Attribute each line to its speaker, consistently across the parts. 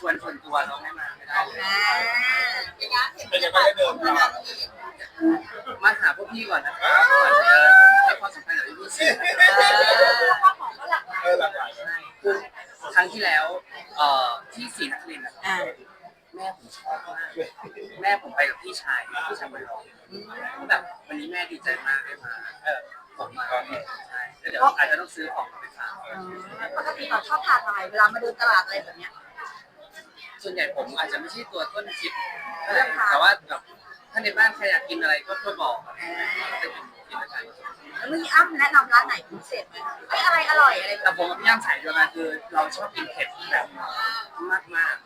Speaker 1: วนส่วนตัวเราไม่มาไม่ได้เลย
Speaker 2: เป็นยังไงได้เดินมา
Speaker 1: มาหาพวกพี่ก่อนนะครับก่อนจะให้ความสำคัญกับพี่สิ
Speaker 2: หลากหลาย
Speaker 1: ใช่คือครั้งที่แล้วที่ศรีนครินทร์นะครับแม่ผมชอบมากแม่ผมไปกับพี่ชายบอลลองแบบวันนี้แม่ดีใจมากได้มาผมมาใช่แล้วเดี๋ยวอาจจะต้องซื้อของไปฝาก
Speaker 3: ปกติเราชอบทานอะไรเวลามาเดินตลาดอะไรแบบเนี้ย
Speaker 1: ส่วนใหญ่ผมอาจจะไม่ใช่ตัวต้นคิดแต่ว่าแบบถ้าในบ้านใครอยากกินอะไรก็บอกจะกินด้วยกัน
Speaker 3: แล้วมีอ้ำแนะนำร้านไหนพิเศษไหมเอ้ยอะไรอร่อยอะไรแบ
Speaker 1: แต่
Speaker 3: บ
Speaker 1: ผมกับพี่ย่างสายเดียวกันคือเราชอบกินเผ็ดแบบมาก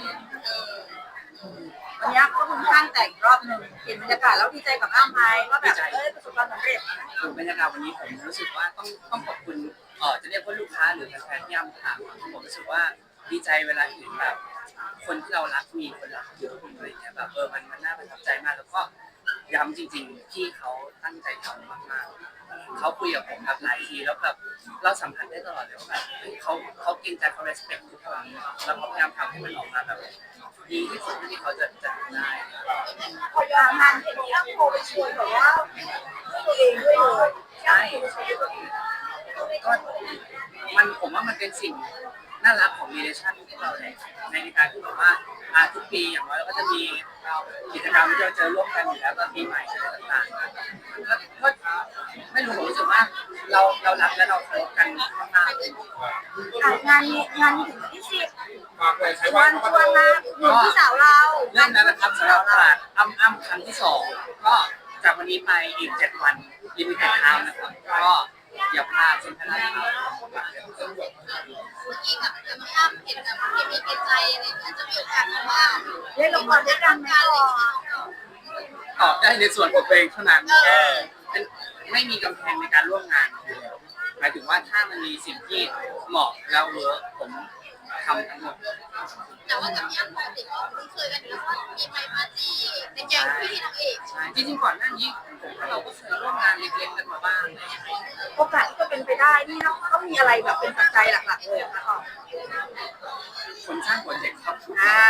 Speaker 3: วันนี้ก็คุณข้างแต่งรอบหนึ่งเห็นบรรยากาศแล้วดีใจกับอ้ำไหมว่าแบบประสบความสำเร็จ
Speaker 1: ๆถึงบรรยากาศวันนี้ผมรู้สึกว่าต้องขอบคุณจะเรียกว่าลูกค้าหรือแฟนๆที่ย่ำถามผมรู้สึกว่าดีใจเวลาเห็นแบบคนที่เรารักมีคนรักเยอะอะไรอย่างเงี้ยแบบมันน่าประทับใจมากแล้วก็ย้ำจริงๆที่เขาตั้งใจทำมากๆเขาคุยกับผมแบบหลายทีแล้วแบบเราสัมผัสได้ตลอดเลยว่าแบบเขาเกรงใจเขา respect ทุกครั้งแล้วเขาพยายามทำให้มันออกมาแบบดีที่สุดที่เขาจะทำได้
Speaker 3: พองานเห็นที่อ้ำโทรไปชวนแบบว่าตัวเองด้วยเลย
Speaker 1: ใช่ก็ผมว่ามันเป็นสิ่งน่ารักของมีเดชั่นพวกเราเลยในการที่แบบว่าทุกปีอย่างน้อยเราก็จะมีกิจกรรมที่เราเจอร่วมกันอยู่แล้วตอนปีใหม่อะไรต่างๆก็ไม่รู้ผมรู้สึกว่าเรารักและเราเคารพกันมากๆเลย
Speaker 3: งานนี้ถึงวันที่10
Speaker 2: ฝากเลยใช้
Speaker 3: ชว
Speaker 2: ว่าน
Speaker 3: ชวนมาหนุนพี่สาวเรา
Speaker 1: เรื่องนั้นนะครับสำหรับตลาดอ้ำครั้งที่2ก็จากวันนี้ไปอีก7วันลิมิเต็ดไทม์นะครับก็อย่าพลาดเซ็นทรัลลาดพร้าว
Speaker 4: เมื่อกี้กับอ้ำเห็นกับพี่มีกิจใจอะไรเงี้ยจะมีโอกาสมาบ้าง
Speaker 3: เล่นละครด้วยกันไหมก่อน
Speaker 1: ตอบได้ในส่วนของตัวเองเท่านั้นไม่มีกำแพงในการร่วมงานหมายถึงว่าถ้ามันมีสิ่งที่เหมาะแล้วเวิร์กผมทำทั้งหมด
Speaker 4: แต่ว่ากับพี่อ้ำปกติก็คุ้นเคยกันอยู่แล้วว่ามีไปปาร์ตี้ในแก๊งพี่นางเอก
Speaker 1: ใช่จริงๆก่อนหน้านี้ผมว่าเราก็เคยร่วมงานเล็กๆกันมาบ้างอะไรอย่างเงี้ย
Speaker 3: โอกาสที่จะเป็นไปได้นี่ต้องมีอะไรแบบเป็นปัจจัยหลักๆเลยนะคะ
Speaker 1: คนสร้างโปรเจกต์ครับ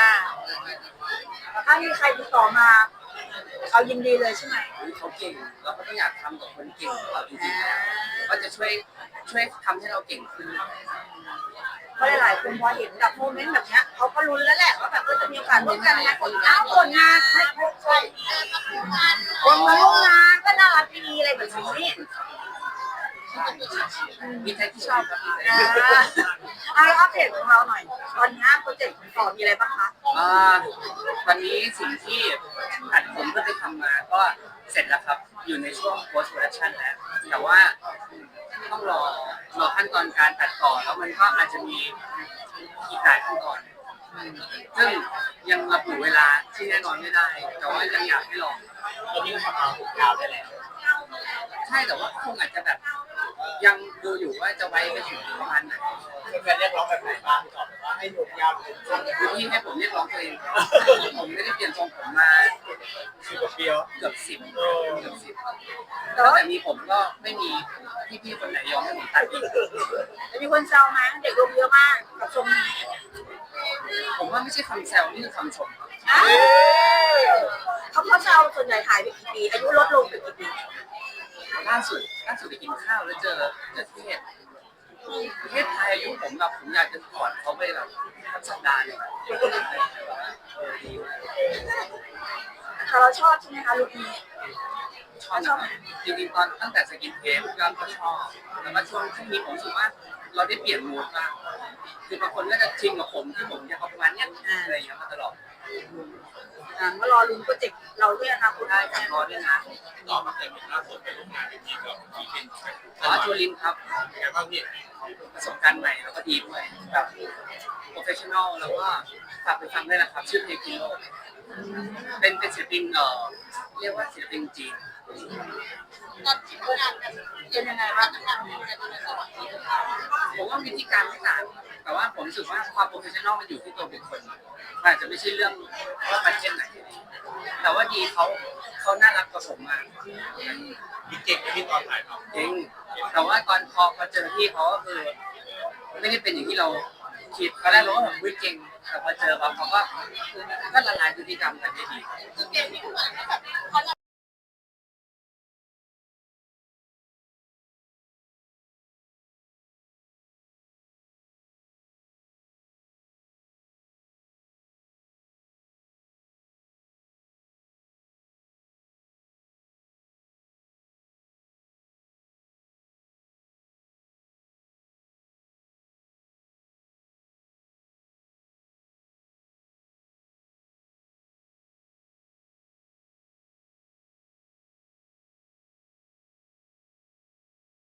Speaker 3: ถ้ามีใครติดต่อมาเอายินดีเลยใช่ไหม
Speaker 1: เขาเก่งเราก็ต้องอยากทำกับคนเก่งของเราจริงๆแล้วก็จะช่วยทำให้เราเก่งขึ้น
Speaker 3: เพราะหลายๆคนพอเห็นแบบโมเมนต์แบบเนี้ยเขาก็ลุ้นแล้วแหละว่าแบบจะมีโอกาสร่วมกันนะคนผลงานใช่
Speaker 4: เดินมาคู่กัน
Speaker 3: คนมาร่วมงานก็น่ารักดีอะไรแบบนี้
Speaker 1: มีใครที่ชอบครับ
Speaker 3: อัปเดตของเราหน่อยตอนนี้โปรเจกต์ของต่อมีอะไรบ้างคะ
Speaker 1: ตอนนี้สิ่งที่อัดผมก็ไปทำมาก็เสร็จแล้วครับอยู่ในช่วง post production แล้วแต่ว่าต้องรอขั้นตอนการตัดต่อแล้วมันก็อาจจะมีอีกหลายขั้นตอนซึ่งยังระบุเวลาที่แน่นอนไม่ได้ แต่ว่ายังอยากให้ลอง
Speaker 2: ตอนนี้ก็ทำมา6 ยาวได้แล้ว
Speaker 1: ใช่แต่ว่าคงอาจจะแบบยังดูอยู่ว่าจะไว้ไปถึงประมาณไหน
Speaker 2: แฟนๆเรียกร้องแบบไหนบ้างตอบแบบว่าให้หยุดยาวเป็นช่วง
Speaker 1: คือที่ให้ผมเรียกร้องตัวเองผมไม่ได้เปลี่ยนทรงผมมา
Speaker 2: 10 กว่าปีแล้ว
Speaker 1: เกือบ10ตั้งแต่มีผมก็ไม่มีพี่ๆคนไหนยอมให้ผมตัดอีก
Speaker 3: มีคนแซวไหมเด็กลงเยอะมากกับทรงนี้
Speaker 1: ผมว่าไม่ใช่คำแซวนี่คือคำชมครับ
Speaker 3: เขาแซวส่วนใหญ่หายไปกี่ปีอายุลดลงไปกี่ปี
Speaker 1: ล่าสุดไปกินข้าวแล้วเจอเทศไทยอายุผมแบบผมอยากจะกอดเขาไปแบบทั้งสัปดาห์เลยดี
Speaker 3: แต่เราชอบใช่ไหมคะลุคนี้
Speaker 1: ชอบนะจริงๆตอนตั้งแต่สกินเทปก็ชอบแต่ว่าช่วงนี้ผมรู้สึกว่าเราได้เปลี่ยนมูดบ้างคือบางคนก็จะชินกับผมที่ผมจะเอาประมาณเนี้ยอะไรอย่างเงี้ยมาตลอด
Speaker 3: มารอลุ้นโปรเจกต์เราด้วยนะคุณ
Speaker 1: ได้จากรอด้วยนะ
Speaker 2: ต่อมาเคยมีล่าสุดไปร่วมงานเป็นทีมกับพี่เป็น
Speaker 1: จูลินครับ
Speaker 2: เป็นไงบ้างพี่
Speaker 1: ประสบการณ์ใหม่แล้วก็ดีด้วยแบบโปรเฟชชั่นอลแล้วก็ฝากไปฟังด้วยนะครับชื่อเพลงพิโลเป็นศิลปินเรียกว่าศิลปินจีน
Speaker 4: ตอนที่ทำงานกัน
Speaker 3: เป็นยังไงบ้าง
Speaker 4: ทำงานกันในจังหวัดนี้
Speaker 1: ผมว่าวิธีการไม่ต่างแต่ว่าผมรู้สึกว่าความโปรเฟชชั่นอลมันอยู่ที่ตัวบุคคลอาจจะไม่ใช่เรื่องว่าประเทศไหนแต่ว่าดีเขาน่ารักกับผมมาก
Speaker 2: พี่เก่งกับพี่ตอนถ่ายทำ
Speaker 1: จริงแต่ว่าตอนพอเจอพี่เขาก็คือไม่ได้เป็นอย่างที่เราคิดตอนแรกเราก็แบบวิ่งเก่งแต่พอเจอปั๊บเขาก็ละลายพฤติกรรมกันได้ดี
Speaker 4: คือเกมที่เหมือนแบบเขา